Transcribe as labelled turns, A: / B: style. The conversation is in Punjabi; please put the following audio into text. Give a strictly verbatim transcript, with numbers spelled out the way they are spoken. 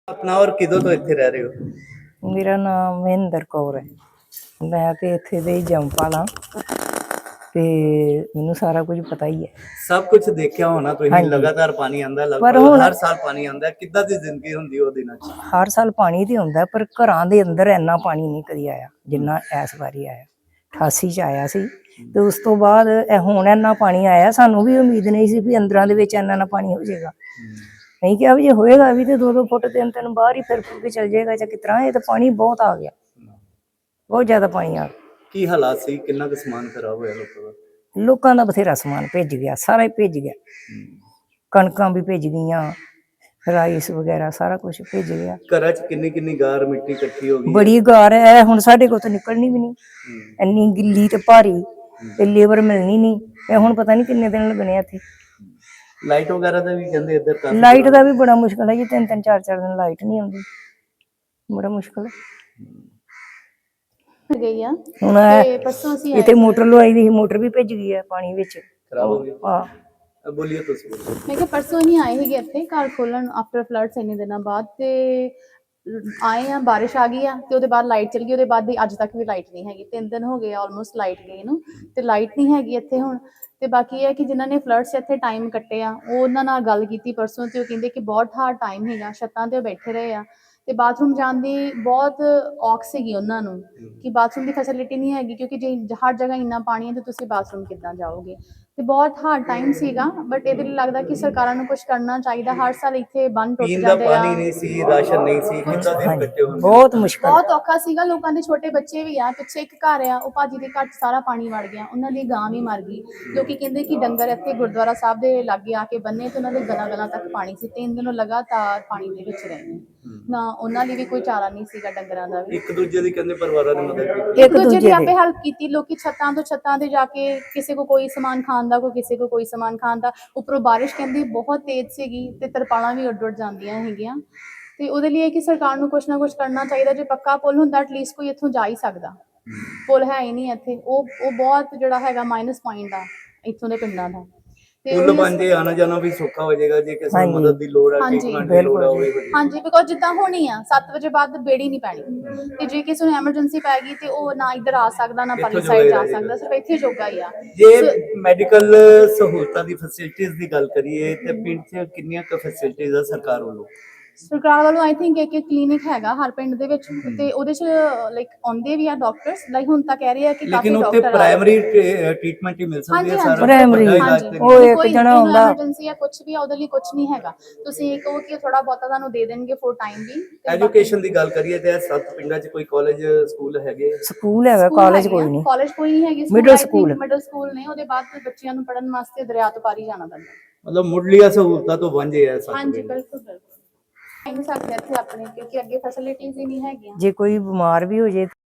A: ਆਪਣਾ ਔਰ ਕਿਦੋਂ ਤੋਂ ਇੱਥੇ ਰਹਿ ਰਹੇ ਹੋ?
B: ਮੇਰਾ ਨਾਮ ਮਹਿੰਦਰ ਕੌਰ ਹੈ। ਮੈਂ ਤੇ ਇੱਥੇ ਦੇ ਹੀ ਜੰਮਪਲ ਹਾਂ ਤੇ ਮੈਨੂੰ ਸਾਰਾ ਕੁਝ ਪਤਾ ਹੀ ਹੈ।
A: ਸਭ ਕੁਝ ਦੇਖਿਆ ਹੋਣਾ ਤੁਸੀਂ।
B: ਹਾਂਜੀ।
A: ਲਗਾਤਾਰ ਪਾਣੀ ਆਂਦਾ,
B: ਪਰ
A: ਲਗਭਗ
B: ਹੁਣ
A: ਹਰ ਸਾਲ ਪਾਣੀ ਆਂਦਾ। ਕਿੱਦਾਂ ਦੀ ਜ਼ਿੰਦਗੀ ਹੁੰਦੀ ਉਹ ਦਿਨਾਂ 'ਚ?
B: ਹਰ ਸਾਲ ਪਾਣੀ ਤੇ ਆਉਂਦਾ, ਪਰ ਘਰਾਂ ਦੇ ਅੰਦਰ ਇੰਨਾ ਪਾਣੀ ਨਹੀਂ ਕਦੀ ਆਇਆ ਜਿੰਨਾ ਇਸ ਵਾਰੀ ਆਇਆ। ਅਠਾਸੀ 'ਚ ਆਇਆ ਸੀ ਤੇ ਉਸ ਤੋਂ ਬਾਅਦ ਇਹ ਹੁਣ ਇੰਨਾ ਪਾਣੀ ਆਇਆ। ਸਾਨੂੰ ਵੀ ਉਮੀਦ ਨਹੀਂ ਸੀ ਵੀ ਅੰਦਰਾਂ ਦੇ ਵਿੱਚ ਇੰਨਾ ਨਾ ਪਾਣੀ ਹੋ ਜਾਏਗਾ। ਨਹੀਂ ਕਿਹਾ ਵੀ ਜੇ ਹੋਏਗਾ ਵੀ ਤੇ ਦੋ ਦੋ ਫੁੱਟ ਤਿੰਨ ਤਿੰਨ ਬਾਹਰ ਹੀ ਫਿਰ ਫੁੱਟ ਕੇ ਚੱਲ ਜਾਏਗਾ ਜਾਂ ਕਿਸ ਤਰ੍ਹਾਂ। ਇਹ ਤਾਂ ਪਾਣੀ ਬਹੁਤ ਆ ਗਿਆ, ਬਹੁਤ ਜ਼ਿਆਦਾ ਪਾਣੀ ਆ ਗਿਆ।
A: ਕੀ ਹਾਲਾਤ ਸੀ? ਕਿੰਨਾ ਕੁ ਸਮਾਨ ਖਰਾਬ ਹੋਇਆ ਲੋਕਾਂ ਦਾ?
B: ਲੋਕਾਂ ਦਾ ਬਥੇਰਾ ਸਮਾਨ ਭਿੱਜ ਗਿਆ, ਸਾਰਾ ਹੀ ਭਿੱਜ ਗਿਆ। ਕਣਕਾਂ ਵੀ ਭਿੱਜ ਗਈਆਂ, ਰਾਈਸ ਵਗੈਰਾ ਸਾਰਾ ਕੁਝ ਭਿੱਜ ਗਿਆ।
A: ਘਰਾਂ 'ਚ ਕਿੰਨੀ ਕਿੰਨੀ ਗਾਰ ਮਿੱਟੀ ਇਕੱਠੀ ਹੋ ਗਈ?
B: ਬੜੀ ਗਾਰ ਹੈ। ਹੁਣ ਸਾਡੇ ਕੋਲ ਤਾਂ ਨਿਕਲਣੀ ਵੀ ਨਹੀਂ, ਇੰਨੀ ਗਿੱਲੀ ਤੇ ਭਾਰੀ, ਤੇ ਲੇਬਰ ਮਿਲਣੀ ਨਹੀਂ। ਇਹ ਹੁਣ ਪਤਾ ਨਹੀਂ ਕਿੰਨੇ ਦਿਨ ਲੱਗਣੇ ਇੱਥੇ।
A: ਲਾਈਟ ਵਗੈਰਾ ਦਾ ਵੀ ਕਹਿੰਦੇ ਇੱਧਰ ਕਾਫੀ
B: ਲਾਈਟ ਦਾ ਵੀ ਬੜਾ ਮੁਸ਼ਕਲ ਹੈ ਜੀ। ਤਿੰਨ ਤਿੰਨ ਚਾਰ ਚਾਰ ਦਿਨ ਲਾਈਟ ਨਹੀਂ ਆਉਂਦੀ, ਬੜਾ ਮੁਸ਼ਕਲ ਹੈ।
C: ਗਈ ਆ
B: ਹੁਣ
C: ਤੇ ਪਰਸੋਂ ਅਸੀਂ
B: ਇੱਥੇ ਮੋਟਰ ਲਵਾਈ ਦੀ, ਮੋਟਰ ਵੀ ਭਿੱਜ ਗਈ ਹੈ ਪਾਣੀ ਵਿੱਚ,
A: ਖਰਾਬ ਹੋ ਗਈ।
B: ਹਾਂ
A: ਬੋਲੀਏ ਤੁਸੀਂ।
C: ਮੈਂ ਕਿਹਾ ਪਰਸੋਂ ਹੀ ਆਏ ਸੀਗੇ ਇੱਥੇ ਘਰ ਖੋਲਣ ਆਫਟਰ ਫਲੱਡਸ ਇੰਨੇ ਦਿਨਾਂ ਬਾਅਦ, ਤੇ ਆਏ ਆ, ਬਾਰਿਸ਼ ਆ ਗਈ ਆ ਤੇ ਉਹਦੇ ਬਾਅਦ ਲਾਈਟ ਚਲੀ ਗਈ। ਉਹਦੇ ਬਾਅਦ ਅੱਜ ਤੱਕ ਵੀ ਲਾਈਟ ਨਹੀਂ ਹੈਗੀ। ਤਿੰਨ ਦਿਨ ਹੋ ਗਏ ਆਲਮੋਸਟ ਲਾਈਟ ਗਈ ਨੂੰ, ਤੇ ਲਾਈਟ ਨਹੀਂ ਹੈਗੀ ਇੱਥੇ ਹੁਣ। ਤੇ ਬਾਕੀ ਇਹ ਹੈ ਕਿ ਜਿਨ੍ਹਾਂ ਨੇ ਫਲੱਡਸ ਇੱਥੇ ਟਾਈਮ ਕੱਟੇ ਆ, ਉਹ ਉਹਨਾਂ ਨਾਲ ਗੱਲ ਕੀਤੀ ਪਰਸੋਂ, ਤੇ ਉਹ ਕਹਿੰਦੇ ਕਿ ਬਹੁਤ ਹਾਰਡ ਟਾਈਮ ਹੈਗਾ। ਛੱਤਾਂ ਤੇ ਬੈਠੇ ਰਹੇ ਆ ਤੇ ਬਾਥਰੂਮ ਜਾਣ ਦੀ ਬਹੁਤ ਔਖ ਸੀਗੀ ਉਹਨਾਂ ਨੂੰ, ਕਿ ਬਾਥਰੂਮ ਦੀ ਫੈਸਿਲਿਟੀ ਨਹੀਂ ਹੈਗੀ, ਕਿਉਂਕਿ ਜੇ ਹਰ ਜਗ੍ਹਾ ਇੰਨਾ ਪਾਣੀ ਹੈ ਤੇ ਤੁਸੀਂ ਬਾਥਰੂਮ ਕਿੱਦਾਂ ਜਾਓਗੇ। ਤੇ ਬਹੁਤ ਹਾਰਡ ਟਾਈਮ ਸੀਗਾ। ਬਟ ਇਹਦੇ ਲਈ ਲੱਗਦਾ ਕਿ ਸਰਕਾਰਾਂ ਨੂੰ ਕੁਝ ਕਰਨਾ ਚਾਹੀਦਾ। ਹਰ ਸਾਲ ਇੱਥੇ ਬੰਨ ਟੁੱਟ
A: ਪੀਣ ਦਾ
C: ਜਾਂਦੇ ਆ।
A: ਪਾਣੀ ਨਹੀਂ ਸੀ, ਰਾਸ਼ਨ ਨਹੀਂ ਸੀ, ਕਿੱਦਾਂ ਦਿਨ ਕੱਟੇ ਹੋਣਗੇ?
B: ਬਹੁਤ ਮੁਸ਼ਕਲ,
C: ਬਹੁਤ ਔਖਾ ਸੀਗਾ। ਲੋਕਾਂ ਦੇ ਛੋਟੇ ਬੱਚੇ ਵੀ ਆ। ਪਿੱਛੇ ਇੱਕ ਘਰ ਆ, ਉਹ ਭਾਜੀ ਦੇ ਘਰ 'ਚ ਸਾਰਾ ਪਾਣੀ ਵੜ ਗਿਆ, ਉਹਨਾਂ ਦੀ ਗਾਂ ਵੀ ਮਰ ਗਈ। ਲੋਕੀ ਕਹਿੰਦੇ ਕਿ ਡੰਗਰ ਇੱਥੇ ਗੁਰਦੁਆਰਾ ਸਾਹਿਬ ਦੇ ਲਾਗੇ ਆ ਕੇ ਬੰਨੇ ਤੇ ਉਹਨਾਂ ਦੇ ਗਲਾਂ ਗਲਾਂ ਤੱਕ ਪਾਣੀ ਸੀ। ਤਿੰਨ ਦਿਨ ਲਗਾਤਾਰ ਪਾਣੀ ਦੇ ਵਿੱਚ ਰਹੇ ਨੇ ਨਾ। ਉਹਨਾਂ ਲਈ ਵੀ ਕੋਈ ਚਾਰਾ ਨਹੀਂ ਸੀਗਾ, ਡੰਗਰਾਂ ਦਾ ਵੀ।
A: ਇੱਕ ਦੂਜੇ ਦੀ ਕਹਿੰਦੇ ਪਰਿਵਾਰਾਂ ਨੇ ਮਦਦ ਕੀਤੀ,
C: ਇੱਕ ਦੂਜੇ ਦੀ ਆਪੇ ਹੈਲਪ ਕੀਤੀ। ਲੋਕੀ ਛੱਤਾਂ ਤੋਂ ਛੱਤਾਂ ਤੇ ਜਾ ਕੇ, ਕਿਸੇ ਕੋ ਕੋਈ ਸਮਾਨ ਖਾਣ ਦਾ, ਕੋਈ ਕਿਸੇ ਕੋ ਕੋਈ ਸਮਾਨ ਖਾਣ ਦਾ। ਉੱਪਰੋਂ ਬਾਰਿਸ਼ ਕਹਿੰਦੀ ਬਹੁਤ ਤੇਜ਼ ਸੀਗੀ ਤੇ ਤਰਪਾਲਾਂ ਵੀ ਉੱਡ ਉੱਡ ਜਾਂਦੀਆਂ ਹੈਗੀਆਂ। ਤੇ ਉਹਦੇ ਲਈ ਕਿ ਸਰਕਾਰ ਨੂੰ ਕੁਛ ਨਾ ਕੁਛ ਕਰਨਾ ਚਾਹੀਦਾ। ਜੇ ਪੱਕਾ ਪੁਲ ਹੁੰਦਾ ਐਟਲੀਸਟ ਕੋਈ ਇੱਥੋਂ ਜਾ ਹੀ ਸਕਦਾ। ਪੁਲ ਹੈ ਹੀ ਨਹੀਂ ਇੱਥੇ। ਉਹ ਉਹ ਬਹੁਤ ਜਿਹੜਾ ਹੈਗਾ ਮਾਈਨਸ ਪੁਆਇੰਟ ਆ ਇੱਥੋਂ ਦੇ ਪਿੰਡਾਂ ਦਾ।
A: ਪੁਲ ਬਣ ਜੇ ਆਣਾ ਜਾਣਾ ਵੀ ਸੌਖਾ ਹੋ ਜਾਏਗਾ। ਜੇ ਕਿਸੇ ਨੂੰ ਮਦਦ ਦੀ ਲੋੜ ਆ, ਟ੍ਰੀਟਮੈਂਟ ਦੀ ਲੋੜ ਆ, ਉਹ ਵੀ
C: ਹਾਂਜੀ, ਬਿਕੋਜ਼ ਜਿੱਦਾਂ ਹੋਣੀ ਆ ਸੱਤ ਵਜੇ ਬਾਅਦ ਬੇੜੀ ਨਹੀਂ ਪੈਣੀ, ਤੇ ਜੇ ਕਿਸੇ ਨੂੰ ਐਮਰਜੈਂਸੀ ਪੈ ਗਈ ਤੇ ਉਹ ਨਾ ਇੱਧਰ ਆ ਸਕਦਾ, ਨਾ ਪਰਲੀ ਸਾਈਡ ਜਾ ਸਕਦਾ, ਸਿਰਫ ਇੱਥੇ ਜੋਗਾ ਹੀ ਆ।
A: ਜੇ ਮੈਡੀਕਲ ਸਹੂਲਤਾਂ ਦੀ ਫੈਸਿਲਿਟੀਜ਼ ਦੀ ਗੱਲ ਕਰੀਏ ਤੇ ਪਿੰਡ 'ਚ ਕਿੰਨੀਆਂ ਕੁ ਫੈਸਿਲਿਟੀਜ਼ ਆ ਸਰਕਾਰ ਵੱਲੋਂ?
C: ਸਰਕਾਰ ਵੱਲੋਂ ਆਈ ਥਿੰਕ ਇੱਕ ਇੱਕ ਕਲੀਨਿਕ ਹੈਗਾ ਹਰ ਪਿੰਡ ਦੇ ਵਿੱਚ, ਤੇ ਉਹਦੇ 'ਚ ਲਾਈਕ ਆਉਂਦੇ ਵੀ ਆ ਡਾਕਟਰਸ। ਲਾਈਕ ਹੁਣ ਤਾਂ ਕਹਿ ਰਹੇ ਆ ਕਿ ਕਾਫੀ
A: ਲੇਕਿਨ ਉੱਥੇ
C: ਡਾਕਟਰ
A: ਪ੍ਰਾਇਮਰੀ ਟ੍ਰੀਟਮੈਂਟ ਹੀ ਮਿਲ ਸਕਦੀ ਹੈ ਸਾਰਾ।
B: ਪ੍ਰਾਇਮਰੀ ਉਹ ਇੱਕ ਜਣਾ ਹੁੰਦਾ,
C: ਐਮਰਜੈਂਸੀ ਆ ਕੁਝ ਵੀ ਆ, ਉਹਦੇ ਲਈ ਕੁਝ ਨਹੀਂ ਹੈਗਾ। ਤੁਸੀਂ ਕਹੋ ਕਿ ਥੋੜਾ ਬਹੁਤਾ ਤੁਹਾਨੂੰ ਦੇ ਦੇਣਗੇ ਫੋਰ ਟਾਈਮ ਵੀ।
A: ਐਜੂਕੇਸ਼ਨ ਦੀ ਗੱਲ ਕਰੀਏ ਤੇ ਸੱਤ ਪਿੰਡਾਂ 'ਚ ਕੋਈ ਕਾਲਜ ਸਕੂਲ ਹੈਗੇ?
B: ਸਕੂਲ ਹੈਗਾ, ਕਾਲਜ ਕੋਈ ਨਹੀਂ।
C: ਕਾਲਜ ਕੋਈ ਨਹੀਂ ਹੈਗੀ,
B: ਮਿਡਲ ਸਕੂਲ
C: ਮਿਡਲ ਸਕੂਲ ਨੇ। ਉਹਦੇ ਬਾਅਦ ਬੱਚਿਆਂ ਨੂੰ ਪੜ੍ਹਨ ਵਾਸਤੇ ਦਰਿਆ ਤੋਂ ਪਾਰੀ ਜਾਣਾ ਪੈਂਦਾ।
A: ਮਤਲਬ ਮੁੱਢਲੀਆਂ ਸਹੂਲਤਾਂ ਤੋਂ ਵਾਂਝੇ ਆ ਸੱਤ ਪਿੰਡ।
C: ਹਾਂਜੀ, ਬਿਲਕੁਲ ਬਿਲਕੁਲ ਨਹੀਂ ਸਕਦੇ ਇੱਥੇ ਆਪਣੇ, ਕਿਉਂਕਿ ਅੱਗੇ ਫੈਸਿਲਿਟੀਜ਼ ਹੀ ਨਹੀਂ ਹੈਗੀਆਂ।
B: ਜੇ ਕੋਈ ਬਿਮਾਰ ਵੀ ਹੋ ਜੇ